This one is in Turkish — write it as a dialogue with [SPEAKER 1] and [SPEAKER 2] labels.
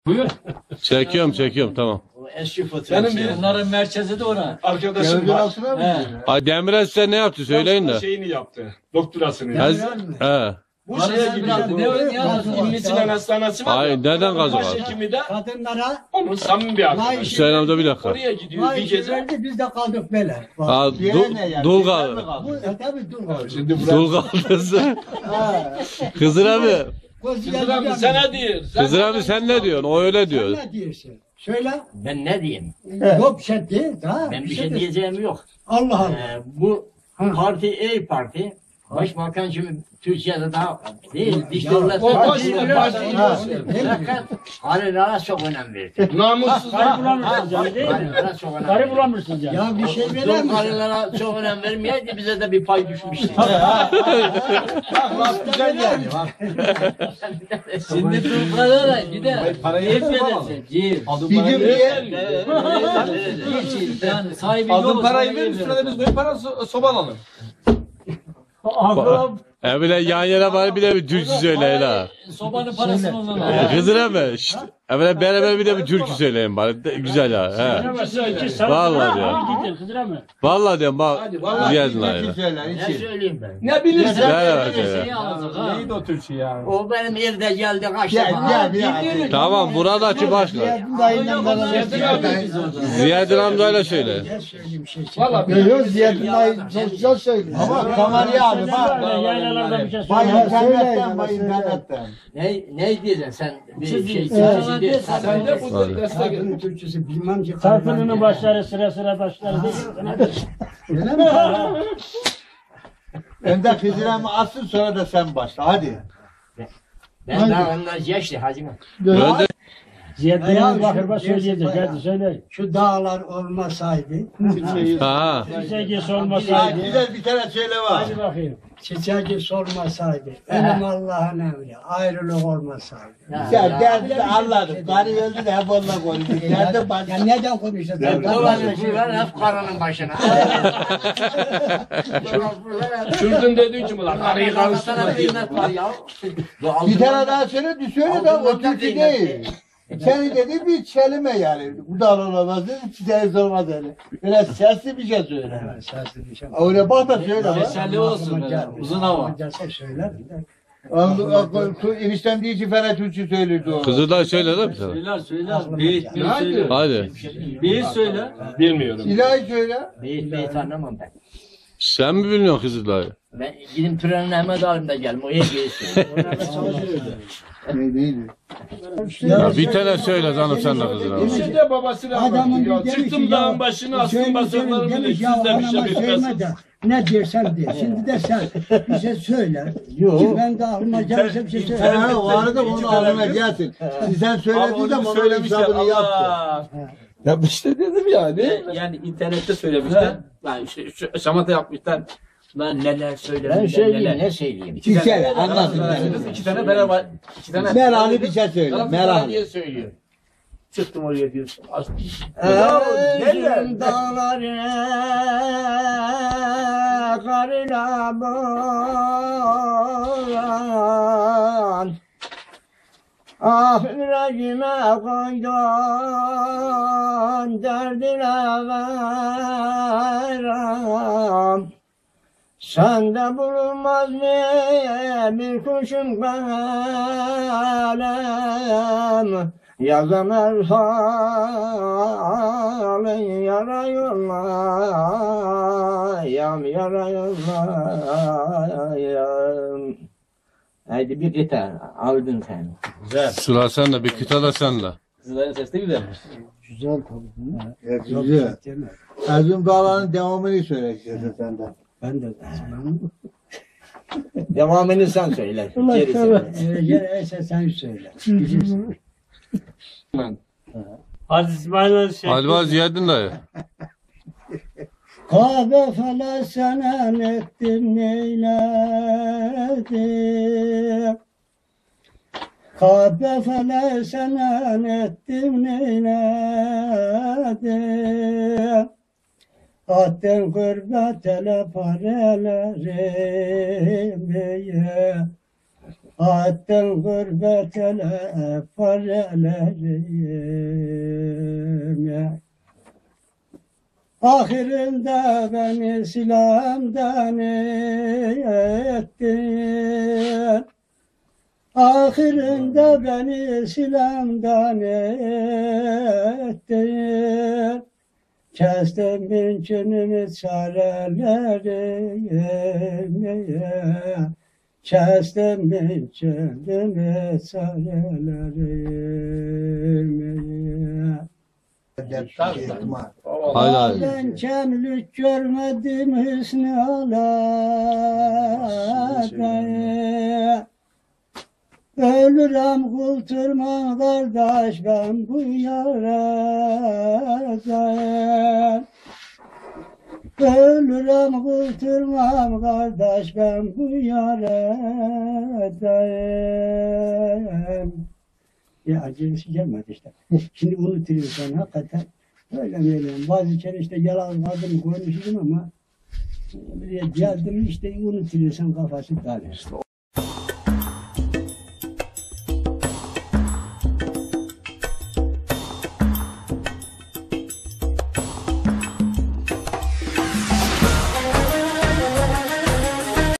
[SPEAKER 1] Buyur.
[SPEAKER 2] Çekiyorum tamam.
[SPEAKER 3] O eski fotoğraf.
[SPEAKER 1] Benim bir onların merkezi de ona.
[SPEAKER 3] arkadaşım var.
[SPEAKER 2] Ay Demirel size ne yaptı söyleyin de.
[SPEAKER 3] Şeyini yaptı. Doktorasını.
[SPEAKER 2] He.
[SPEAKER 3] Bu şeye gidiyordu. İmli Sinan Hastanesi var.
[SPEAKER 2] Ay neden gazı var?
[SPEAKER 3] Başhekimi de
[SPEAKER 4] Kadınlara
[SPEAKER 3] onun samimi bir arkadaşı.
[SPEAKER 2] Hüseyin amca bir dakika.
[SPEAKER 3] Oraya gidiyor
[SPEAKER 4] vay
[SPEAKER 3] bir
[SPEAKER 4] işi
[SPEAKER 3] gece.
[SPEAKER 4] verdi, biz de kaldık böyle.
[SPEAKER 2] Aa, dul kaldı.
[SPEAKER 4] Bu tabii dur kaldı.
[SPEAKER 3] Şimdi
[SPEAKER 2] Dul kaldı. Hızır abi.
[SPEAKER 3] Kızır abi sen ne diyorsun?
[SPEAKER 2] Hızır abi sen ne diyorsun? O öyle diyor.
[SPEAKER 4] Sen ne diyorsun? Söyle.
[SPEAKER 5] Ben ne diyeyim?
[SPEAKER 4] Yok bir şey değil. Ha,
[SPEAKER 5] Ben bir şey
[SPEAKER 4] değil.
[SPEAKER 5] diyeceğim yok.
[SPEAKER 4] Allah Allah.
[SPEAKER 5] Bu parti İYİ Parti. Başbakan şimdi Türkiye'de daha değil. Dış devlet.
[SPEAKER 3] O baş
[SPEAKER 5] Fakat Halil'e çok önem verdi.
[SPEAKER 3] namussuz.
[SPEAKER 1] Bulamıyorsun canım değil mi?
[SPEAKER 5] Halil'e çok önem
[SPEAKER 1] Karı
[SPEAKER 5] verdi.
[SPEAKER 1] bulamıyorsun canım.
[SPEAKER 4] Ya bir şey verir misin?
[SPEAKER 5] Halil'e çok önem vermeyeydi bize de bir pay düşmüştü.
[SPEAKER 3] Bak güzel yani.
[SPEAKER 1] Şimdi dur burada bir de ciğer verirsin. Ciğer.
[SPEAKER 3] Bir gün diye.
[SPEAKER 1] Yani sahibi
[SPEAKER 6] Aldığın
[SPEAKER 1] yok.
[SPEAKER 6] parayı ver, üstüne biz koyup para soba alalım.
[SPEAKER 2] Evle yan yana var bir de bir türkü söyleyin ha.
[SPEAKER 1] Sobanın parasını ondan al.
[SPEAKER 2] Hızır abi. Şşt. Evle beraber bir de bir türkü söyleyin bari. Güzel ha. He. Vallahi diyorum. Vallahi diyorum bak. Geldin ha.
[SPEAKER 5] Ne söyleyeyim ben?
[SPEAKER 3] Ne bilirsin?
[SPEAKER 6] Neydi o Türkçe ya?
[SPEAKER 5] O benim evde geldi kaç defa.
[SPEAKER 2] Tamam buradaki başka. Ziyadin amcayla söyle.
[SPEAKER 4] Ne söyleyeyim bir şey.
[SPEAKER 3] Valla
[SPEAKER 7] Yok Ziyaddin dayı çok güzel söylüyor.
[SPEAKER 4] Ama kameraya abi bak.
[SPEAKER 1] Yaylalarda bir şey
[SPEAKER 7] Bay
[SPEAKER 1] söyle.
[SPEAKER 7] internetten, bay internetten.
[SPEAKER 5] Ne diyeceksin sen? Bir şey
[SPEAKER 3] sen de bu destek et.
[SPEAKER 4] Kadının Türkçesi bilmem ki.
[SPEAKER 1] Sarfının başları sıra taşları değil.
[SPEAKER 4] Öyle mi?
[SPEAKER 7] Önder Hızır'ımı atsın sonra da sen başla hadi.
[SPEAKER 5] Ben daha onlar yaşlı hacım.
[SPEAKER 2] Önde
[SPEAKER 1] Ziyadin'in bakırma söyleyecek. Hadi söyle.
[SPEAKER 4] Şu dağlar olmasaydı,
[SPEAKER 2] ha.
[SPEAKER 1] Sevgisi
[SPEAKER 7] Ya
[SPEAKER 1] olmasaydı.
[SPEAKER 7] güzel bir tane söyle var.
[SPEAKER 1] Hadi bakayım.
[SPEAKER 4] çiçeği olmasaydı, elim Allah'ın emri, ayrılık olmasaydı.
[SPEAKER 7] Ya derdini anladım. Karı öldü de hep onunla konuştuk. Derdim başka.
[SPEAKER 4] Ya neden konuşuyorsun?
[SPEAKER 5] Dolaşıyorlar hep karının başına.
[SPEAKER 3] Şuradan dediğin için ulan arayı
[SPEAKER 5] Sana
[SPEAKER 3] karıştırma diye.
[SPEAKER 5] kıymet var ya.
[SPEAKER 7] Bir tane daha söyle, söyle de o
[SPEAKER 5] Altından
[SPEAKER 7] Türkçe
[SPEAKER 5] kıymet
[SPEAKER 7] değil. Senin dediğin bir kelime yani. Bu da olamaz dedi, çiçeği olmaz dedi. Biraz sesli bir şey söyle.
[SPEAKER 4] Sesli bir şey.
[SPEAKER 7] Öyle bak da söyle bak.
[SPEAKER 1] Meselli olsun böyle. Uzun hava.
[SPEAKER 4] Gelse söylerim de.
[SPEAKER 7] Eniştem diye ki Ferhat Türkçe söylüyordu o.
[SPEAKER 2] Kızılday söyle de bir tane.
[SPEAKER 1] Söyler. Beyit söyle.
[SPEAKER 2] Hadi.
[SPEAKER 1] Beyit söyle.
[SPEAKER 3] Bilmiyorum.
[SPEAKER 7] İlahi söyle.
[SPEAKER 5] Beyit anlamam ben.
[SPEAKER 2] Sen mi bilmiyorsun Kızılday'ı?
[SPEAKER 5] Ben gidip trenle Ahmet alim de geldim. O hep beyit
[SPEAKER 7] Ne değildi?
[SPEAKER 2] Ya bir tane söyle canım sen de Kızıl abi.
[SPEAKER 3] Bir de babasına
[SPEAKER 4] Adamın
[SPEAKER 3] anlattı ya.
[SPEAKER 4] demiş ki
[SPEAKER 3] Çıktım dağın başına astım basaklarımı da
[SPEAKER 4] demiş
[SPEAKER 3] siz
[SPEAKER 4] ya
[SPEAKER 3] de bir şey
[SPEAKER 4] anama söyleme
[SPEAKER 3] bilmezsiniz.
[SPEAKER 4] de ne dersen de. Şimdi de sen bir şey söyle. Ki ben de aklıma gelirse bir şey söyle.
[SPEAKER 7] Ha, o arada onu ağzına gelsin. Sen söylediğin zaman onun hesabını yaptı.
[SPEAKER 6] Ya işte dedim yani. Yani internette söylemişler. Yani şu şamata yapmışlar.
[SPEAKER 5] Ben neler söylerim.
[SPEAKER 4] Ben söyleyeyim,
[SPEAKER 5] Ne söyleyeyim.
[SPEAKER 7] Bir söyle anlasın.
[SPEAKER 6] İki tane beraber. İki tane.
[SPEAKER 7] Merali bir şey söyle. Merali.
[SPEAKER 5] diye söylüyor. Çıktım oraya diyorsun.
[SPEAKER 4] Özüm dağları karına boğan Ah yüreğime koydun derdine verem Sende bulunmaz mı bir kuşun kalem Yazan halin yara yollayam yara yollayam Haydi bir gitar aldın sen.
[SPEAKER 2] Sıra sen de bir kıta da sen de.
[SPEAKER 6] Kızların sesi de güzelmiş.
[SPEAKER 4] Güzel tabii.
[SPEAKER 7] Evet, güzel. Erzurum Dağları'nın devamını söyle istersen senden.
[SPEAKER 4] Ben de
[SPEAKER 5] Devamını sen söyle.
[SPEAKER 4] Gerisi sen söyle. Bilirsin.
[SPEAKER 1] Hadi İsmail'e şey.
[SPEAKER 2] Halva Ziyadin dayı.
[SPEAKER 4] Kahve felesen ettim neyledi Kahve felesen ettim neyledi Attın gurbet ele parelerimi Attım gurbet ele parelerim. Ahirinde beni silamdan ettin. Ahirinde beni silamdan ettin. Kestim mümkünümü çarelerim. Kestim mümkünümü çarelerim.
[SPEAKER 2] Haydi haydi.
[SPEAKER 4] Ben kemlik görmedim hüsnü alada. Ölürüm kulturma kardeş ben bu yarada. Ölürüm kulturmam kardeş ben bu yarada. Ya acısı gelmedi işte. Şimdi unutuyorsan hakikaten. Öyle mi? Bazı kere işte yalan vardım koymuşum ama buraya geldim işte unutuyorsan kafası dağılıyor.